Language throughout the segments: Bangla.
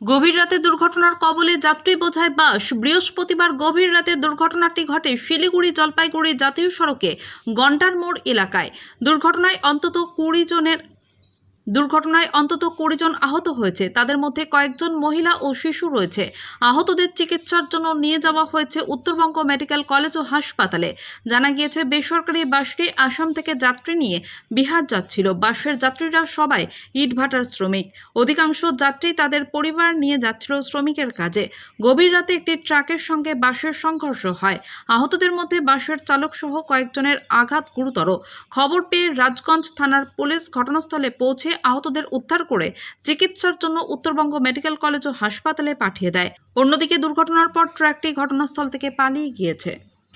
গভীর রাতে দুর্ঘটনার কবলে যাত্রী বোঝাই বাস। বৃহস্পতিবার গভীর রাতে দুর্ঘটনাটি ঘটে শিলিগুড়ি জলপাইগুড়ি জাতীয় সড়কে গন্ডার মোড় এলাকায়। দুর্ঘটনায় অন্তত 20 জন আহত হয়েছে। তাদের মধ্যে কয়েকজন মহিলা ও শিশু রয়েছে। আহতদের চিকিৎসার জন্য নিয়ে যাওয়া হয়েছে উত্তরবঙ্গ মেডিকেল কলেজ ও হাসপাতালে। জানা গিয়েছে, বেসরকারি বাসটি আসাম থেকে যাত্রী নিয়ে বিহার যাচ্ছিল। বাসের যাত্রীরা সবাই ইটভাটার শ্রমিক। অধিকাংশ যাত্রী তাদের পরিবার নিয়ে যাচ্ছিল শ্রমিকের কাজে। গভীর রাতে একটি ট্রাকের সঙ্গে বাসের সংঘর্ষ হয়। আহতদের মধ্যে বাসের চালক সহ কয়েকজনের আঘাত গুরুতর। খবর পেয়ে রাজগঞ্জ থানার পুলিশ ঘটনাস্থলে পৌঁছে আহতদের উদ্ধার করে চিকিৎসার জন্য উত্তরবঙ্গ মেডিকেল কলেজ ও হাসপাতালে পাঠিয়ে দেয়। অন্যদিকে দুর্ঘটনার পর ট্রাকটি ঘটনাস্থল থেকে পালিয়ে গিয়েছে।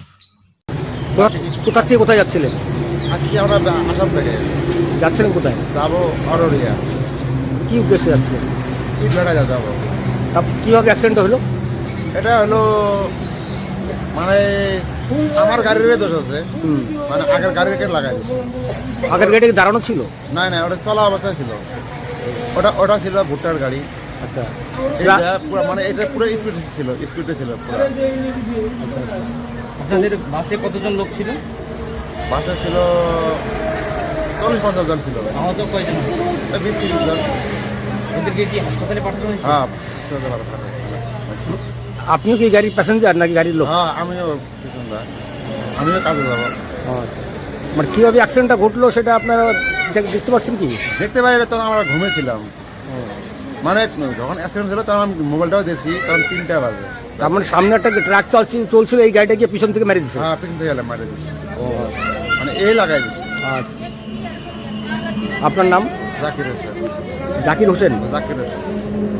কোথা থেকে কোথায় যাচ্ছিলেন? আজকে আমরা আসাম থেকে যাচ্ছিলেন কোথায়? যাবো অররিয়া, কি উদ্দেশ্যে যাচ্ছিলেন? ইটভাটা যাবো। কিভাবে অ্যাক্সিডেন্ট হলো? এটা হলো মানে আমার গাড়ির দোষ আছে, মানে আগের গাড়িকে লাগাই দিচ্ছে। আগের গাড়ি দাঁড়ানো ছিল? না না, ওটা চলা অবস্থায় ছিল। ওটা ছিল ভুট্টার গাড়ি। আচ্ছা, এটা পুরো মানে এটা পুরো স্পিডে ছিল পুরো। আচ্ছা আচ্ছা। আপনাদের বাসে কতজন লোক ছিল? বাসে ছিল 40-50 জন ছিল। আহত কয়জন? 20-30 জন। ওদেরকে কি হাসপাতালে পাঠানো হয়েছে? হ্যাঁ, আপনিও কি গাড়ির প্যাসেঞ্জার নাকি গাড়ির লোক? হ্যাঁ, আমিও পিছনটা, আমিও কাজে যাবো। আচ্ছা, মানে কিভাবে অ্যাক্সিডেন্টটা ঘটলো সেটা আপনারা দেখতে পাচ্ছেন কি? দেখতে পাই, তখন আমরা ঘুমেছিলাম। মানে যখন অ্যাক্সিডেন্ট হলো তখন আমি মোবাইলটাও দেখছি, তখন 3টা বাজে। তার মানে সামনে একটা ট্রাক চলছিল, এই গাড়িটা গিয়ে পিছন থেকে মেরে দিচ্ছে? হ্যাঁ, পিছন থেকে গেলাম, মারে দিচ্ছি। মানে এই লাগাই দিচ্ছি। আচ্ছা, আপনার নাম? জাকির হোসেন। জাকির হোসেন। জাকির হোসেন।